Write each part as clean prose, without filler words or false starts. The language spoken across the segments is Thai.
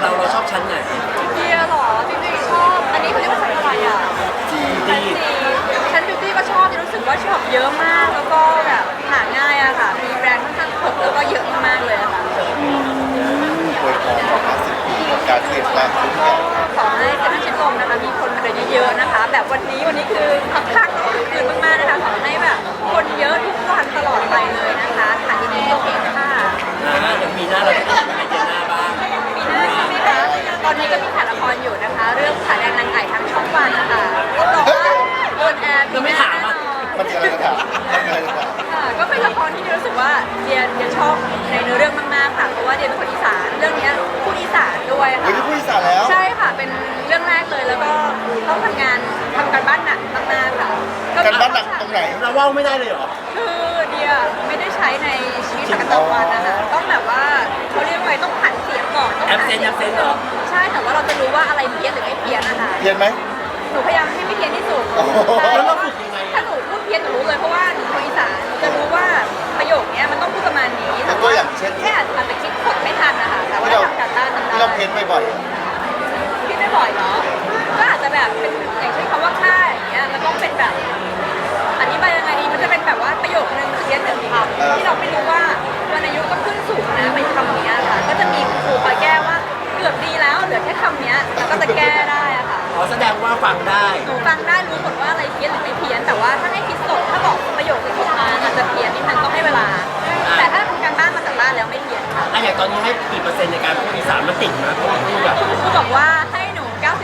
เราชอบชั้นไหนเดียหรอจริงๆชอบอันนี้เขาเรียกว่าชั้นอะไรอ่ะชั้นบิวตี้ก็ชอบรู้สึกว่าชอบเยอะมากแล้วก็แบบหาง่ายอะค่ะมีแบรนด์ค่อนข้างครบแล้วก็เยอะมากๆเลยอะค่ะอวยพรของ50 ปีของการเปลี่ยนแปลงทุกอย่างขอให้เซ็นทรัลชิดลมนะคะมีคนมาเดินเยอะๆนะคะแบบวันนี้คือคักๆคือคืนมากๆนะคะขอให้แบบคนเยอะทุกวันตลอดไปเลยนะคะขายดีๆโอเคค่ะเดี๋ยวปีหน้าเราจะเป็นไอเดียหน้าบ้างปีหน้าใช่ไหมคะตอนนี้ก็มีถ่ายละครอยู่นะคะเรื่องขาแดงนางไก่ทางช่องวันนะคะก็บอกว่าโดนแอร์ปีหน้าแน่นอนมันจะอะไรกันครับอะไรกันครับค่ะก็เป็นละครที่รู้สึกว่าเดียชอบในเนื้อเรื่องมากๆค่ะเพราะว่าเดียเป็นคนอีสานเรื่องนี้พูดอีสานด้วยค่ะเฮ้ยนี่พูดอีสานแล้วใช่ค่ะเป็นเรื่องแรกเลยแล้วก็ต้องทำการบ้านหนักมากๆค่ะการบ้านหนักตรงไหนเราว่าวไม่ได้เลยเหรอคือเดียไม่ได้ใช้ในชีวิตประจำวันนะคะต้องแบบว่าเขาเรียกว่าต้องผันเสียงก่อนต้องแอปเซนเหรอใช่แต่ว่าเราจะรู้ว่าอะไรเพี้ยนหรือไม่เพี้ยนนะคะเพี้ยนไหมหนูพยายามให้ไม่เพี้ยนที่สุดโอ้โหแล้วเราฝึกยังไงถ้าหนูพูดเพี้ยนหนูรู้เลยเพราะว่าหนูคนอีสานหนูจะรู้ว่าประโยคนี้มันต้องพูดประมาณนี้แต่ว่าแค่อาจจะคิดกดไม่ทันนะคะแต่ว่าทำการบ้านทำได้ที่เราเพี้ยนบ่อยคิดไม่บ่อยเนาะก็อาจจะแบบเป็นอย่างเช่นคำว่าค่าอย่างเงี้ยมันต้องเป็นแบบอธิบายยังไงดีมันจะเป็นแบบว่าประโยคนึงเพี้ยนหนึ่งคำที่เราไม่รู้ว่าวรรณยุกต์ก็ขึ้นสูงนะเป็นคำนี้ค่ะก็จะมีครูคอยแก้ว่าเกือบดีแล้วเหลือแค่คำนี้แล้วก็จะแก้ได้อะค่ะอ๋อแสดงว่าฟังได้หนูฟังได้รู้หมดว่าอะไรเพี้ยนหรือไม่เพี้ยนแต่ว่าถ้าให้คิดสดถ้าบอกประโยคที่ถูกมาอาจจะเพี้ยนนิดนึงต้องให้เวลา แต่ถ้าทำการบ้านมาจากบ้านแล้วไม่เพี้ยนค่ะอย่างตอนนี้ให้กี่เปอร์เซ็นต์ในการพูดอีสานมันติดนะเพราะว่าพูดแบบครูบอกว่าให้หนู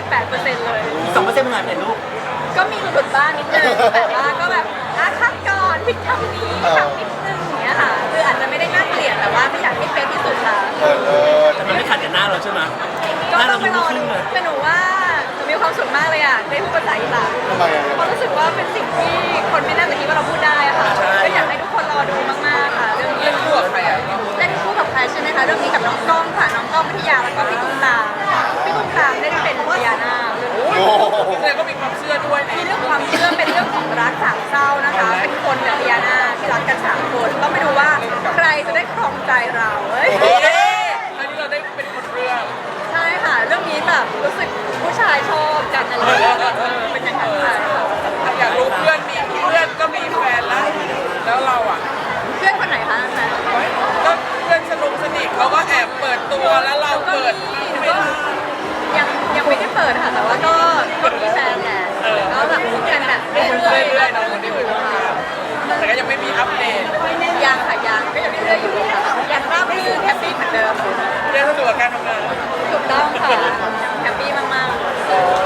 98%เลยอีก2%มันหายไปไหนลูกก็มีหลุดบ้างนิดนึงแต่ว่าก็แบบคัดก่อนผิดคำนี้คำนิดนึงอย่างเงี้ยค่ะคืออาจจะไม่ได้น่าเกลียดแต่ว่าไม่อยากให้เป๊ะที่สุดค่ะแต่มันไม่ขัดกับหน้าเราใช่ไหมหก็น้าต้เราองไปดูรอขึ้ดูนเลยแต่หนูว่าหนูมีความสุขมากเลยอ่ะได้พูดภาษาอีสานๆทำไมอ่ะเพราะรู้สึกว่าเป็นสิ่งที่คนไม่น่าจะคิดว่าเราพูดได้อะค่ะก็อยากให้ทุกคนรอดูมากๆค่ะเรื่องนี้เล่นคู่กับใครอ่ะเล่นคู่กับใครใช่ไหมคะเรื่องนี้กับน้องกล้องค่ะน้องกล้องวิทยาแล้วก็พี่ตุ้มตามพี่ตุ้มตามเล่นเป็นพญานาคโอ้โหแสดงก็มีความเชื่อด้วยในมีเรื่องความเชื่อเป็นเรื่องของรักสามเศร้านะคะ เป็นคนกับพญานาคที่รักกันสามคนต้องไปดูว่าใครจะได้ครองใจเราเอ้ยครั้งนี้เราได้เป็นคนเรื่องใช่ค่ะเรื่องนี้แบบรู้สึกผู้ชายชอบกันอะไรอย่างเงี้ยเป็นอย่างนั้นค่ะอยากรู้เพื่อนก็มีแฟนแล้ว แล้วเราอ่ะเพื่อนคนไหนคะอาจารย์ก็เพื่อนสนิทเขาก็แอบเปิดตัวแล้วเราก็เปิดมีหนูก็ยังไม่ได้เปิดค่ะแต่ว่าก็มีแฟนแหละก็แบบคุยกันแบบเรื่อยๆๆเนาะคนที่อยู่แต่ก็ยังไม่มีอัปเดตยังค่ะยังก็ยังเรื่อยๆอยู่ค่ะยังราบรื่นแฮปปี้เหมือนเดิมเรื่องสะดวกการทำงานถูกต้องค่ะแฮปปี้มากๆ